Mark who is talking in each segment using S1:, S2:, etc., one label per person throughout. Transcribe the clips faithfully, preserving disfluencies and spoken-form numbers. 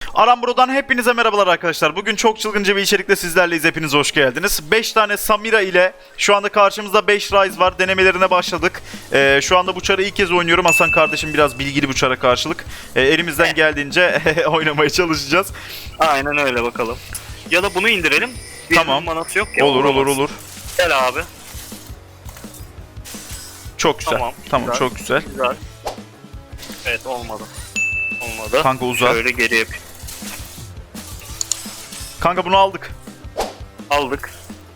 S1: Arambro'dan hepinize merhabalar arkadaşlar. Bugün çok çılgınca bir içerikle sizlerleyiz. Hepiniz hoş geldiniz. beş tane Samira ile şu anda karşımızda beş Ryze var. Denemelerine başladık. Ee, şu anda bu çarı ilk kez oynuyorum. Hasan kardeşim biraz bilgili bu çara karşılık. Ee, elimizden geldiğince oynamaya çalışacağız.
S2: Aynen öyle bakalım. Ya da bunu indirelim. Bir
S1: Tamam.
S2: manası yok ya.
S1: Olur olur olur.
S2: Gel abi.
S1: Çok güzel.
S2: Tamam,
S1: Tamam
S2: güzel.
S1: çok güzel.
S2: Güzel. Evet olmadı. Olmadı.
S1: Kanka uzat.
S2: Şöyle geri yapayım.
S1: Kanka bunu aldık.
S2: Aldık.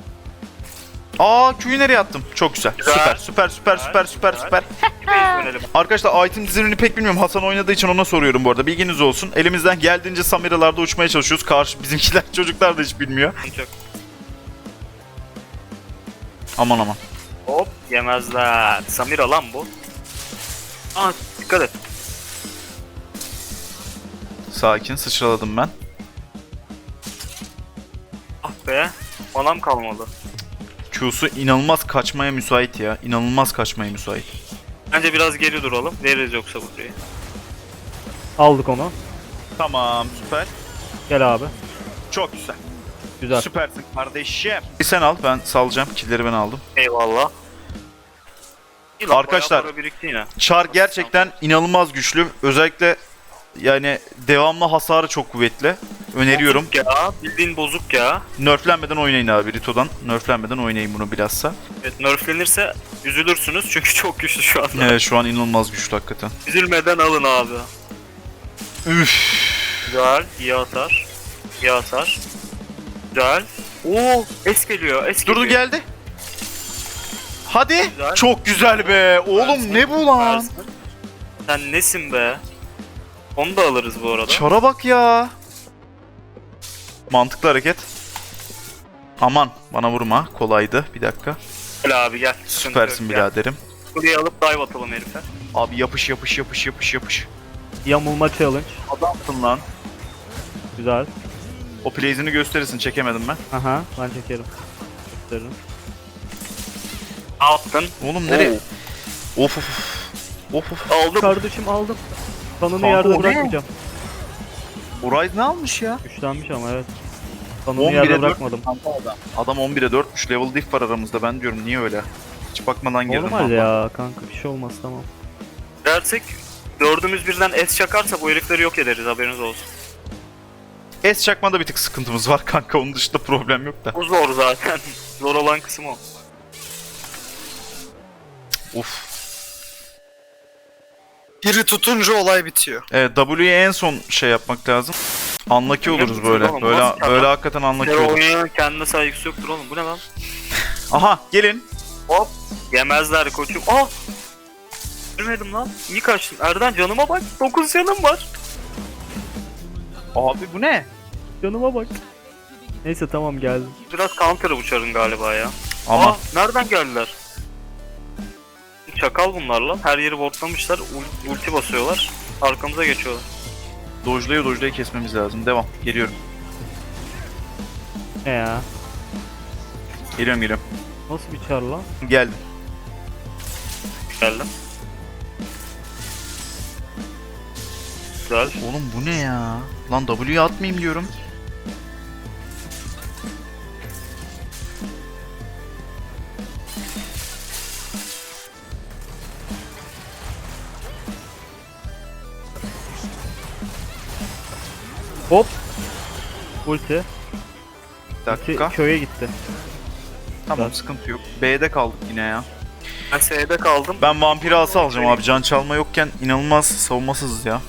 S1: Aa Q'yu nereye attım? Çok güzel.
S2: Güzel.
S1: Süper süper süper süper süper
S2: Güzel.
S1: süper.
S2: Base dönelim.
S1: Arkadaşlar item dizilimini pek bilmiyorum. Hasan oynadığı için ona soruyorum bu arada. Bilginiz olsun. Elimizden geldiğince Samira'larda uçmaya çalışıyoruz. Karşı bizimkiler çocuklar da hiç bilmiyor.
S2: Çok.
S1: Aman aman.
S2: Hop yemezler. Samira lan bu. Aa dikkat et.
S1: Sakin sıçraladım ben.
S2: Ah be. Manam kalmadı.
S1: Q'su inanılmaz kaçmaya müsait ya. İnanılmaz kaçmaya müsait.
S2: Bence biraz geri duralım. Veririz yoksa burayı.
S3: Aldık onu.
S1: Tamam süper.
S3: Gel abi.
S1: Çok güzel.
S3: Güzel.
S1: Süpersin kardeşim. Bir sen al, ben salacağım. Killleri ben aldım.
S2: Eyvallah. İyi lan,
S1: Arkadaşlar,
S2: bayağı para birikti yine.
S1: Char gerçekten inanılmaz güçlü. Özellikle yani devamlı hasarı çok kuvvetli. Öneriyorum.
S2: Bozuk ya. Bildiğin bozuk ya.
S1: Nerflenmeden oynayın abi Rito'dan. Nerflenmeden oynayın bunu bilhassa.
S2: Evet nerflenirse üzülürsünüz çünkü çok güçlü şu anda.
S1: Evet şu an inanılmaz güçlü hakikaten.
S2: Üzülmeden alın abi.
S1: Üf.
S2: Güzel, iyi atar. İyi atar. Güzel. Oo, es geliyor, es
S1: Durdu
S2: geliyor.
S1: geldi. Hadi.
S2: Güzel.
S1: Çok güzel be. Oğlum
S2: Versin,
S1: ne bu lan?
S2: versin. Sen nesin be? Onu da alırız bu arada.
S1: Çara bak ya. Mantıklı hareket. Aman bana vurma. Kolaydı. Bir dakika.
S2: Gel abi gel. Sıkıntı
S1: Süpersin
S2: yok, gel.
S1: biraderim.
S2: Buraya alıp dive atalım herife.
S1: Abi yapış yapış yapış yapış yapış.
S3: Yamulma challenge.
S1: Adamsın lan.
S3: Güzel.
S1: O plays'ini gösterirsin. Çekemedim ben.
S3: Aha ben çekerim. Gösteririm.
S2: Ne yaptın?
S1: Oğlum nereye? Of of of. Of of.
S2: Aldım.
S3: Kardeşim aldım. Kanını
S1: Kanka, o
S3: yerde
S1: ne?
S3: bırakmayacağım.
S1: Rise ne almış ya?
S3: Güçlenmiş ama evet. Kanını
S1: on bire
S3: yerde
S1: dört.
S3: bırakmadım.
S1: Adam on bire dörtmüş. Level diff var aramızda. Ben diyorum niye öyle? Hiç bakmadan girdim.
S3: Normal
S1: vallahi.
S3: ya kanka bir şey olmaz tamam.
S2: Dersek dördümüz birden es çakarsa bu herifleri yok ederiz haberiniz olsun.
S1: S çakmada bir tık sıkıntımız var kanka. Onun dışında problem yok da.
S2: O zor zaten. Zor olan kısım o.
S1: Uf.
S4: Biri tutunca olay bitiyor.
S1: Evet W'ye en son şey yapmak lazım. Unlucky oluruz böyle.
S2: Oğlum,
S1: Böyle
S2: nasıl
S1: böyle
S2: adam?
S1: hakikaten unlucky
S2: Her
S1: olur.
S2: oynayanın kendine saygısı yoktur oğlum. Bu ne lan?
S1: Aha gelin.
S2: Hop. Yemezler koçum. Ah! Görmedim lan. İyi kaçtın. Erden canıma bak. dokuz canım var.
S1: Abi bu ne?
S3: Canıma bak. Neyse tamam geldim.
S2: Biraz counter'ı uçarın galiba ya.
S1: Ama
S2: Aa, nereden geldiler? Çakal bunlar lan. Her yeri botlamışlar. ul- Ulti basıyorlar. Arkamıza geçiyorlar.
S1: dojlayı dojlayı kesmemiz lazım. Devam. Geliyorum.
S3: Ne ya?
S1: Geliyorum geliyorum.
S3: Nasıl bir çar lan?
S1: Geldim.
S2: Geldim. Güzel.
S1: Oğlum bu ne ya? Lan W'ye atmayayım diyorum.
S3: Hop. Ulti.
S1: Bir
S3: Ulti
S1: dakika.
S3: köye gitti.
S1: Tamam
S3: Güzel.
S1: sıkıntı yok. B'de kaldık yine ya.
S2: Ben S'de kaldım.
S1: Ben vampiri ası alacağım abi. Can çalma yokken inanılmaz savunmasızız ya.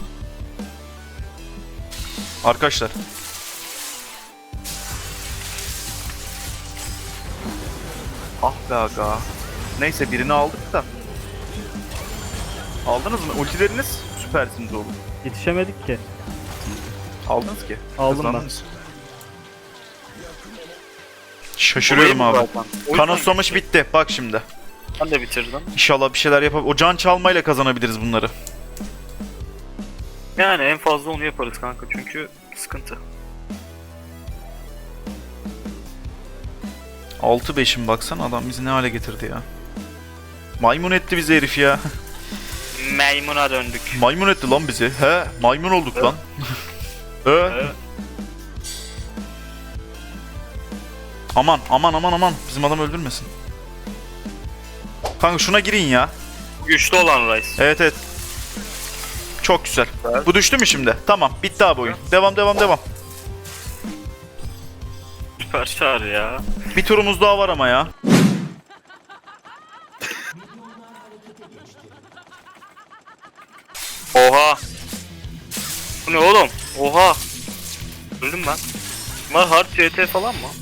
S1: Arkadaşlar. Ah be aga. Neyse birini aldık da. Aldınız mı? Ultileriniz süpersiniz oğlum.
S3: Yetişemedik ki.
S1: Aldınız ki.
S3: Aldım ben.
S1: Kazandınız. Şaşırıyorum
S2: Olayı bu
S1: abi.
S2: zaten. O
S1: Kanı
S2: yüzden
S1: susamış bitti. Bak şimdi.
S2: Ben de bitirdim.
S1: İnşallah bir şeyler yapabilir. O can çalmayla kazanabiliriz bunları.
S2: Yani en fazla onu yaparız kanka çünkü sıkıntı.
S1: altı beşim baksana adam bizi ne hale getirdi ya. Maymun etti bizi herif ya.
S2: Meymuna döndük.
S1: Maymun etti lan bizi. He, maymun olduk lan. Ö.
S2: Evet.
S1: Aman aman aman aman. Bizim adam öldürmesin. Kanka şuna girin ya.
S2: Güçlü olan Rice.
S1: Evet evet. Çok güzel.
S2: Evet.
S1: Bu düştü mü şimdi? Tamam. Bitti abi oyun. Devam devam devam.
S2: Süper çağır ya.
S1: Bir turumuz daha var ama ya.
S2: Oha. Bu ne oğlum? Oha. Öldüm ben. Bunlar hard C T falan mı?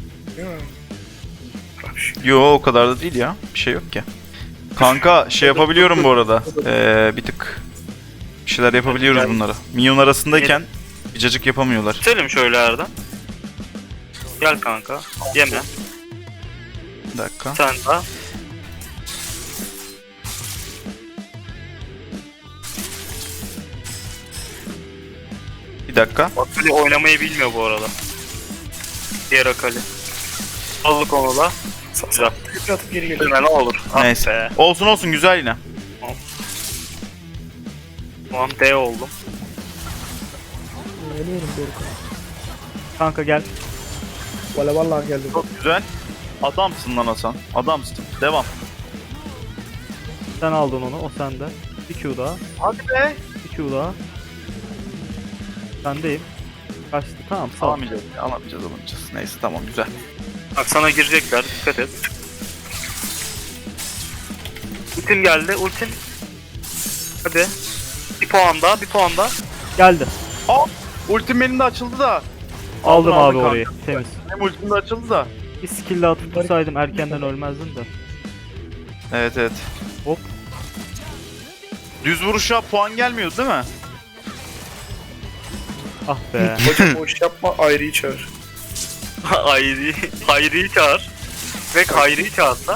S1: Yo o kadar da değil ya. Bir şey yok ki. Kanka şey yapabiliyorum bu arada. Ee, bir tık bir şeyler yapabiliyoruz bunlara. Minyon arasındayken bir cacık yapamıyorlar.
S2: Selim şöyle Erdem. Gel kanka. Yeme.
S1: Bir dakika.
S2: Sen daha.
S1: Bir dakika.
S2: Akali oynamayı bilmiyor bu arada. Diğer Akali. Aldık onu da. Güzel.
S4: Atıp geri geliyor.
S2: Ölme ne olur. Ah
S1: Neyse.
S2: be.
S1: Olsun olsun güzel yine.
S2: Tamam D oldum.
S5: Geliyorum Doruk'a.
S3: Kanka gel.
S5: Valla vallahi geldim.
S1: Çok güzel. Adamsın lan Hasan. Adamsın. Devam.
S3: Sen aldın onu. O sende. Bir Q daha.
S1: Hadi be.
S3: Bir Q daha. Sendeyim. Kaçtı. Tamam sağ ol.
S1: Alamayacağız. Alamayacağız alamayacağız. Neyse tamam güzel.
S2: Bak sana girecekler. Dikkat et. Ultim geldi. Ultim. Hadi. Bir puan daha. Bir puan daha.
S3: Geldi.
S1: Ultim benim de açıldı da.
S3: Aldım
S1: Aldın,
S3: abi
S1: aldın
S3: orayı.
S1: kanka.
S3: Temiz.
S1: Benim ultim de açıldı da.
S3: Bir skill'le atıp tutsaydım erkenden ölmezdin de.
S1: Evet evet.
S3: Hop.
S1: Düz vuruşa puan gelmiyordu değil mi?
S3: Ah be.
S4: Hocam o iş yapma ayrıyı çağır.
S2: Hayri. Hayri'yi çağır. Ve Hayri'yi çağırsa.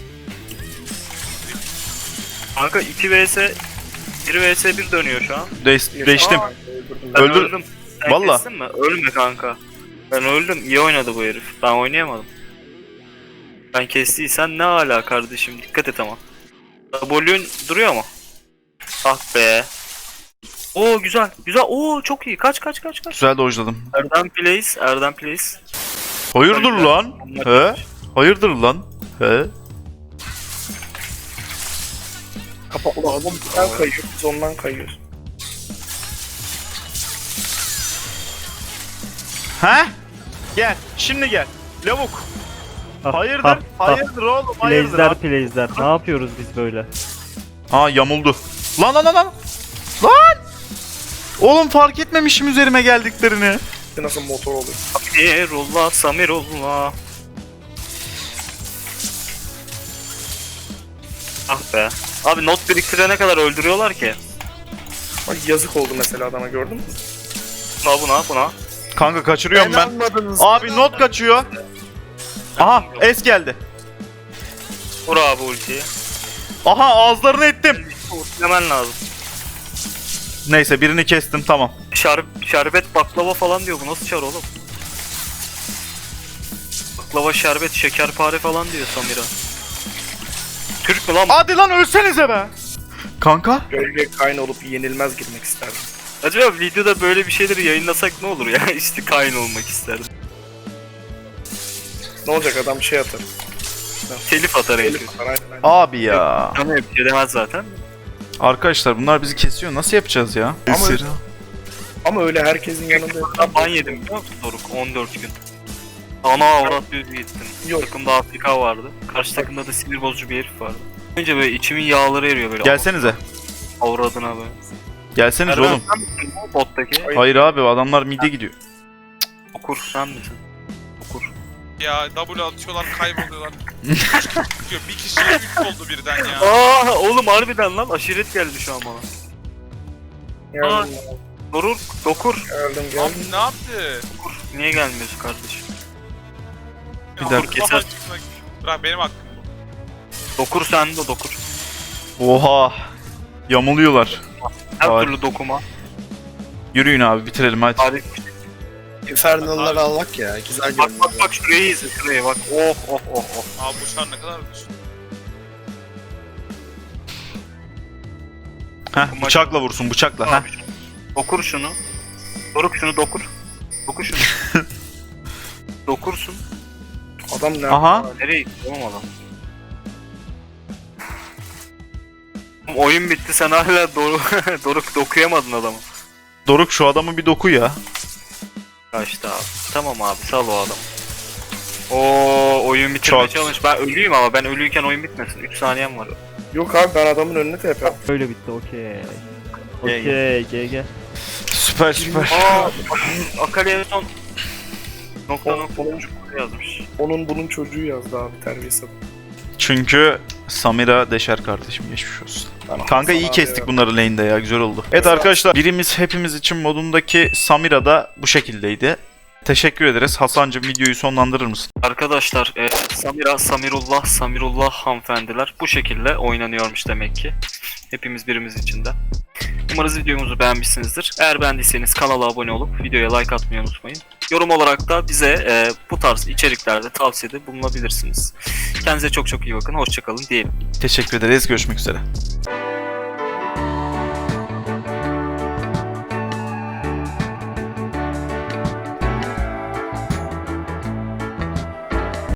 S2: Kanka iki vs bir vs bir dönüyor şu an.
S1: Değiş- değiştim.
S2: Aa, Ben
S1: Öldür-
S2: öldüm. Sen
S1: Valla.
S2: kestin mi? Ölme kanka. Ben öldüm. İyi oynadı bu herif. Ben oynayamadım. Ben kestiysen ne ala kardeşim. Dikkat et ama. W'ün duruyor mu? Ah be. Oo güzel. Güzel. Oo çok iyi. Kaç kaç kaç kaç.
S1: Güzel dojladım.
S2: Erdem plays. Erdem plays.
S1: Hayırdır lan? He? Hayırdır lan? He?
S4: Kapatlı adam bizden kayıyor. Biz ondan kayıyoruz.
S1: He? Gel. Şimdi gel. Lavuk.
S3: Ah,
S1: Hayırdır?
S3: ah, ah.
S1: Hayırdır oğlum? Hayırdır?
S3: Plays'ler
S1: abi.
S3: plays'ler. Ne yapıyoruz biz böyle?
S1: Aa yamuldu. Lan lan lan lan. Lan! Oğlum fark etmemişim üzerime geldiklerini.
S4: Nasıl motor oluyor?
S2: Samirullah. Samirullah. Ah be. Abi not biriktirene kadar öldürüyorlar ki.
S4: Bak yazık oldu mesela adama gördün mü?
S2: Buna buna buna.
S1: Kanka kaçırıyorum ben.
S4: Almadınız.
S1: Abi not kaçıyor. Aha es geldi.
S2: Vur abi ultiyi.
S1: Aha ağızlarını ettim.
S2: Ultilemen lazım.
S1: Neyse birini kestim tamam.
S2: Şer şerbet baklava falan diyor. Bu nasıl çar oğlum? Baklava, şerbet, şekerpare falan diyor Samira. Türk mü lan bu?
S1: Hadi lan ölsenize be. Kanka.
S4: Gölge kayn olup yenilmez girmek isterdim.
S2: Acaba videoda böyle bir şeyleri yayınlasak ne olur ya? İşte kain olmak isterdim.
S4: Ne olacak adam şey atar.
S2: Telif atar herif.
S4: Elif atar aynen aynen.
S1: Abi ya.
S2: Ama bir şey demez zaten.
S1: Arkadaşlar bunlar bizi kesiyor. Nasıl yapacağız ya?
S4: Ama-
S1: Esir.
S4: Ama öyle herkesin yanında
S2: Ben ban yedim biliyor musun Doruk? on dört gün. Ana avrat düz gittim.
S4: Yok.
S2: Takımda Afrika vardı. Karşı takımda da sinir bozucu bir herif vardı. Önce böyle içimin yağları eriyor böyle.
S1: Gelsenize.
S2: Avradına böyle.
S1: Gelsenize
S2: Erdem,
S1: oğlum.
S2: sen misin bu bottaki?
S1: Hayır abi adamlar mide gidiyor.
S2: Okur sen misin? Okur.
S6: Ya W atıyorlar kayboluyorlar. Çıkıyor. Bir kişiye üç oldu birden ya.
S2: Aa oğlum harbiden lan aşiret geldi şu an bana.
S4: Geldim,
S2: Doruk, dokur.
S4: geldim,
S6: Abi
S4: geldim.
S6: ne yaptı?
S2: Dokur. Niye gelmiyorsun kardeşim?
S1: Bir
S6: Ya,
S1: dakika.
S6: kafa çıkmak- Bırak benim hakkım bu.
S2: Dokur sen de dokur.
S1: Oha. Yamuluyorlar.
S2: Her
S1: Hayır.
S2: türlü dokuma.
S1: Yürüyün abi bitirelim hadi.
S2: Hadi.
S7: Infernal'ları almak ya. Güzel
S2: Bak
S7: görünüyor.
S2: bak bak şurayı izle şurayı bak. Oh oh oh oh.
S6: Abi bu şar ne kadar düşün.
S1: Heh, bıçakla vursun bıçakla. Heh.
S2: Okur şunu. Doruk şunu dokur. Dokur şunu. Dokursun.
S4: Adam ne?
S1: Aha.
S2: Nereye gitti oğlum adam? Oğlum oyun bitti sen hala Doruk, Doruk dokuyamadın adamı.
S1: Doruk şu adamı bir doku ya.
S2: Kaçtı abi. Tamam abi sal o adamı. Oo oyun bitirme
S1: Çok.
S2: challenge. Ben ölüyüm ama ben ölüyken oyun bitmesin. üç saniyem var.
S4: Yok abi ben adamın önüne T P.
S3: Öyle bitti okey.
S2: G G.
S3: Okey G G.
S1: Süper süper.
S2: Aa Akali'ye son nokta
S4: O-
S2: nokta
S4: onun-
S2: nokta yazmış.
S4: Onun bunun çocuğu yazdı abi terbiyesiz.
S1: Çünkü Samira Deşer kardeşim geçmiş olsun.
S4: Ben
S1: Kanka iyi
S4: Hasan
S1: kestik
S4: abi
S1: bunları lane'de ya, güzel oldu. Evet arkadaşlar, birimiz hepimiz için modundaki Samira da bu şekildeydi. Teşekkür ederiz. Hasancığım videoyu sonlandırır mısın?
S2: Arkadaşlar e, Samira, Samirullah, Samirullah hanımefendiler bu şekilde oynanıyormuş demek ki. Hepimiz birimiz için de. Umarız videomuzu beğenmişsinizdir. Eğer beğendiyseniz kanala abone olup videoya like atmayı unutmayın. Yorum olarak da bize e, bu tarz içeriklerde tavsiyede bulunabilirsiniz. Kendinize çok çok iyi bakın. Hoşçakalın diyelim.
S1: Teşekkür ederiz. Görüşmek üzere.